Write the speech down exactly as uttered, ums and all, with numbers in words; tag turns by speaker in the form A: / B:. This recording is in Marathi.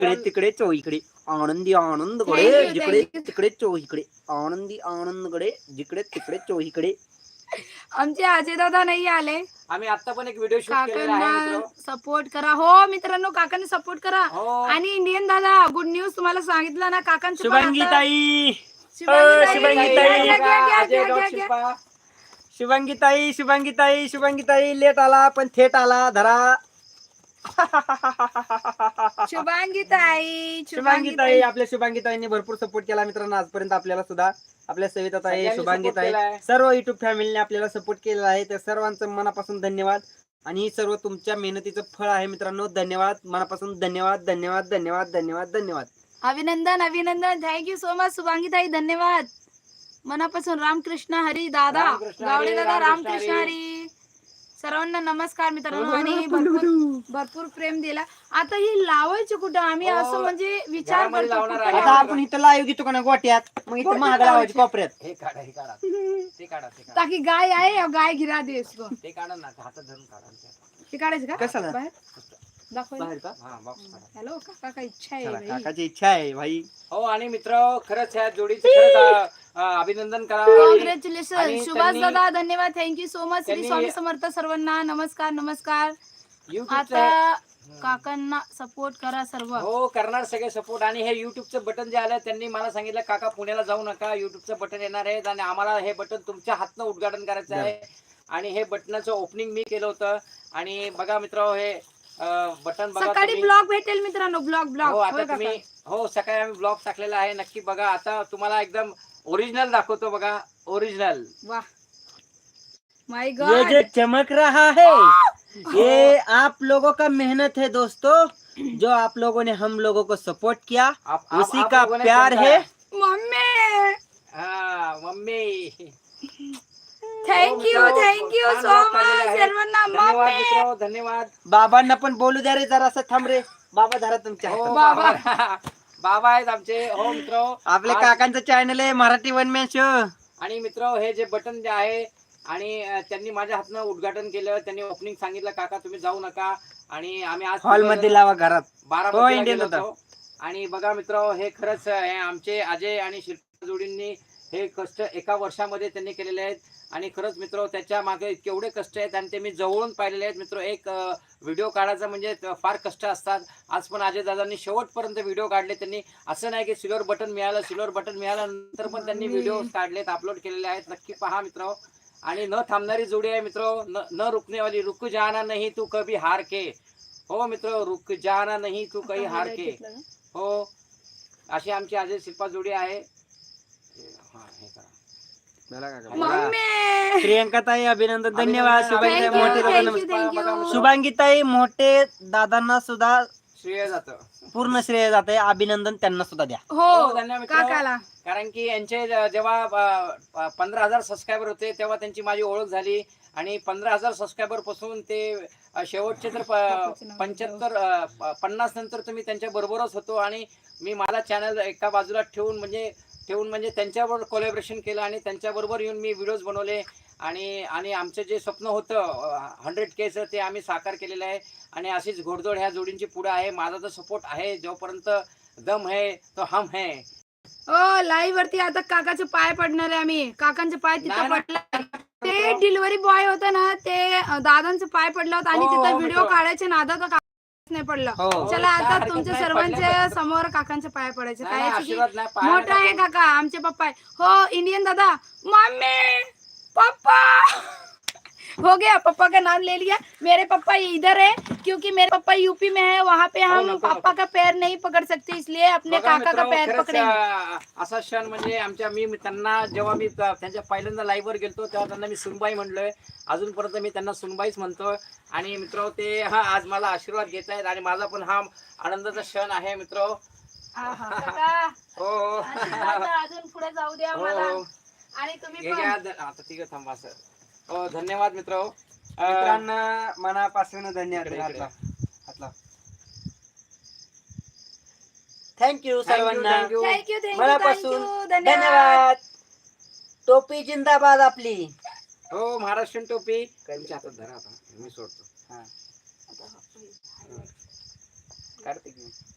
A: इकडे तिकडे चोहीकडे आनंदी आनंदकडे जिकडे तिकडे चोहीकडे आनंदी आनंदकडे जिकडे तिकडे चोहीकडे.
B: आमचे अजय दादा नाही आले.
C: आम्ही आता पण एक व्हिडिओ शूट केलेला आहे मित्र.
B: सपोर्ट करा. हो मित्रांनो, काकांना सपोर्ट करा. आणि इंडियन दादा, गुड न्यूज तुम्हाला सांगितलं ना काकांचं.
A: शुभांगी ताई,
B: शुभांगी ताई,
A: शुभांगी ताई, शुभांगी ताई, शुभांगी ताई लेट आला पण थेट आला. धरा
B: शुभांगी ताई,
A: शुभांगी ताई. आपल्या शुभांगी ताईंनी भरपूर सपोर्ट केला मित्रांनो आजपर्यंत आपल्याला सुद्धा. आपल्या सविता ताई, शुभांगी ताई, सर्व युट्यूब फॅमिलीने आपल्याला सपोर्ट केलेला आहे. त्या सर्वांचं मनापासून धन्यवाद. आणि सर्व तुमच्या मेहनतीचं फळ आहे मित्रांनो. धन्यवाद, मनापासून धन्यवाद धन्यवाद धन्यवाद धन्यवाद धन्यवाद.
B: अभिनंदन अभिनंदन. थँक्यू सो मच शुभांगी ताई, धन्यवाद मनापासून. रामकृष्ण हरी दादा, गावडे दादा, रामकृष्ण हरी. सर्वांना नमस्कार मित्रांनो. आणि भरपूर भरपूर प्रेम दिला. आता ही लावायची कुठं आम्ही असं म्हणजे विचार करतो.
A: आता आपण इथं लाईव्ह घेतो का ना गोट्यात, मग इथं महाग लावायची कोपऱ्यात.
C: हे काढा हे काढा ते काढा ते काढा.
B: ताकि गाय आहे गाय गिरा दे इसको.
C: ते काढा ना, हातात धरून काढा.
B: ते काढायचं का
A: कशाला?
B: बाहेर दाखव.
A: बाहेर का?
C: हा बॉक्स काढा.
B: हॅलो काका, काय इच्छा आहे
A: चला,
B: बाई?
A: काकाची इच्छा आहे भाई.
C: हो आणि मित्र खरंच ह्या जोडीचं खरंच अ, अभिनंदन करा.
B: कॉंग्रॅच्युलेशन
C: आणि
B: सुभाष
C: त्यांनी-
B: दादा, धन्यवाद. Thank you so much. श्री
C: त्यांनी-
B: स्वामी समर्थ सर्वांना. नमस्कार नमस्कार.
C: युट्यूबचं
B: आता काकांना सपोर्ट करा सर्व.
C: हो करणार सगळे सपोर्ट. आणि हे युट्यूबचं बटन जे आलं त्यांनी मला सांगितलं काका पुण्याला जाऊ नका, युट्यूबचं बटन येणार आहे आणि आम्हाला हे बटन तुमच्या हातनं उद्घाटन करायचं आहे. आणि हे बटनाचं ओपनिंग मी केलं होतं. आणि बघा मित्र हे बटन बघा
B: सकाळी
C: तुम्ही.
B: ब्लॉग भेटेल मित्रांनो, ब्लॉग
C: हो
B: ब्लॉग.
C: आता तुम्ही हो सकाळी आम्ही ब्लॉग टाकलेला आहे, नक्की बघा. आता तुम्हाला एकदम ओरिजिनल दाखवतो बघा, ओरिजिनल.
B: वाह माय
A: ये
B: गॉड.
A: जो चमक रहा है ये आप लोगों का मेहनत है दोस्तों. जो आप लोगों ने हम लोगों को सपोर्ट किया
C: आप- आप-
A: उसी
C: आप
A: का
C: लोगों ने
A: प्यार
C: समझा.
A: है.
B: मम्मी
C: हा mummy.
B: Thank you thank you so much सर्वांना.
C: धन्यवाद
B: मम्मी
C: मित्र, धन्यवाद.
A: बाबांना पण बोलू द्या रे जरासं. थांब रे बाबा, धरा तुमच्या
C: हो
A: हातात.
C: बाबा बाबा आहेत आमचे. हो मित्र
A: आपल्या
C: आज-
A: काकांचं चॅनल आहे मराठी वन मॅन शो.
C: आणि मित्र हे जे बटन जे आहे आणि अ, त्यांनी माझ्या हातनं उद्घाटन केलं. त्यांनी ओपनिंग सांगितलं काका तुम्ही जाऊ नका. आणि आम्ही आज
A: हॉल मध्ये लावा घरात. हो,
C: बारा
A: इंडियन
C: गेलो
A: होता.
C: होतो. आणि बघा मित्र हे खरंच हे आमचे अजय आणि शिल्पा जोडींनी हे कष्ट एका वर्षामध्ये त्यांनी केलेले आहेत. आणि खरंच मित्र त्याच्या मागे केवढे कष्ट आहेत आणि ते मी जवळून पाहिलेले आहेत मित्र. एक व्हिडिओ काढायचा म्हणजे फार कष्ट असतात. आज पण अजय दादांनी शेवटपर्यंत व्हिडिओ काढले. त्यांनी असं नाही की सिल्वर बटन मिळालं सिल्वर बटन मिळालं नंतर पण त्यांनी व्हिडिओ काढलेत, अपलोड केलेले आहेत. नक्की पहा मित्र. आणि न थांबणारी जोडी आहे मित्र. न न रुकनेवाली. रुक जाना नहीं तू कभी हार के. हो मित्र, रुक जाना नहीं तू कभी हार के. हो अशी आमची अजय शिल्पा जोडी आहे. हा हे करा.
B: मम्मी
A: प्रियंका ताई अभिनंदन, धन्यवाद. शुभांगी ताई
B: Thank you,
A: मोठे
B: thank
A: दादा,
B: you, thank you.
A: शुभांगी ताई मोठे दादांना सुद्धा
C: श्रेय जातं.
A: पूर्ण श्रेय जाते. अभिनंदन त्यांना सुद्धा द्या.
B: हो
C: हो, धन्यवाद मित्र.
B: काकाला.
C: कारण की यांचे ज- जेव्हा पंधरा हजार सबस्क्रायबर होते तेव्हा त्यांची माझी ओळख झाली. आणि पंधरा हजार सबस्क्रायबर पासून ते अ, शेवटचे तर पंच्याहत्तर पन्नास नंतर तर मी त्यांच्या बरोबरच होतो. आणि मी माझा चॅनल एका बाजूला ठेवून म्हणजे ठेवून म्हणजे त्यांच्याबरोबर कोलॅबरेशन केलं आणि त्यांच्याबरोबर येऊन मी व्हिडिओज बनवले. आणि आणि आमचं जे स्वप्न होतं हंड्रेड केचं ते आम्ही साकार केलेलं आहे. आणि अशीच घोडदौड ह्या जोडींची पुढे आहे. माझा तर सपोर्ट आहे. जोपर्यंत दम है तो हम है.
B: ओ लाईव्ह वरती आता काकाचे पाय पडणार आहे आम्ही. काकांचे पाय तिथं
C: नाही, नाही.
B: पडले. ते डिलिव्हरी बॉय होता ना, ते अ, दादांचे पाय पडला होता आणि
C: हो,
B: तिथं
C: हो,
B: व्हिडिओ
C: मित्र.
B: काढायचे नादात काकाच नाही पडला.
A: हो.
B: चला आता
C: काय
B: तुमच्या
C: हरकत नाही,
B: सर्वांच्या
C: पडले
B: समोर काकांचे पाय पडायचे.
C: नाही, नाही,
B: काय की
C: आशीर्वाद नाही, पायाला
B: मोठा आहे
C: टाकून.
B: काका, आमचे पप्पा आहे. हो इंडियन दादा. मम्मी पप्पा हो गया, पप्पा का नाम ले लिया. मेरे पप्पा इधर है क्योंकि मेरे पप्पा यूपी में है. वहाँ पे हम
C: नको,
B: पापा का पैर नहीं पकड़ सकते, इसलिए अपने
C: बघा
B: काका का
C: मित्रांनो,
B: पैर
C: खरंच,
B: पकड़ेंगे.
C: अ, असा क्षण म्हणजे आमच्या मी मी त्यांना जेव्हा मी त- त्यांच्या पहिल्यांदा लाईव्ह वर गेलतो तेव्हा त्यांना मी सुनबाई म्हणलोय. अजूनपर्यंत मी त्यांना सुनबाईच म्हणतोय. आणि मित्र ते हा आज मला आशीर्वाद घेत आहेत आणि माझा पण हा आनंदाचा क्षण आहे मित्र.
B: आहा, काका,
C: हो हो
B: आशीर्वाद द्या, अजून पुढे जाऊ द्या
C: हो,
B: मला.
C: हो.
B: आणि तुम्ही
C: हे
B: पण
C: घ्या, द- आता ठीक आहे थांबा सर. हो धन्यवाद मित्र.
A: मित्रांना मनापासून धन्यवाद.
C: इकडे, इकडे.
A: थँक्यू सर्वांना.
C: thank you.
B: थँक्यू थँक्यू
A: मनापासून
B: थँक्यू
A: धन्यवाद. टोपी जिंदाबाद आपली.
C: हो महाराष्ट्रीयन टोपी. तुमच्या हातात धरा आता मी सोडतो.
A: हा.
C: काढते की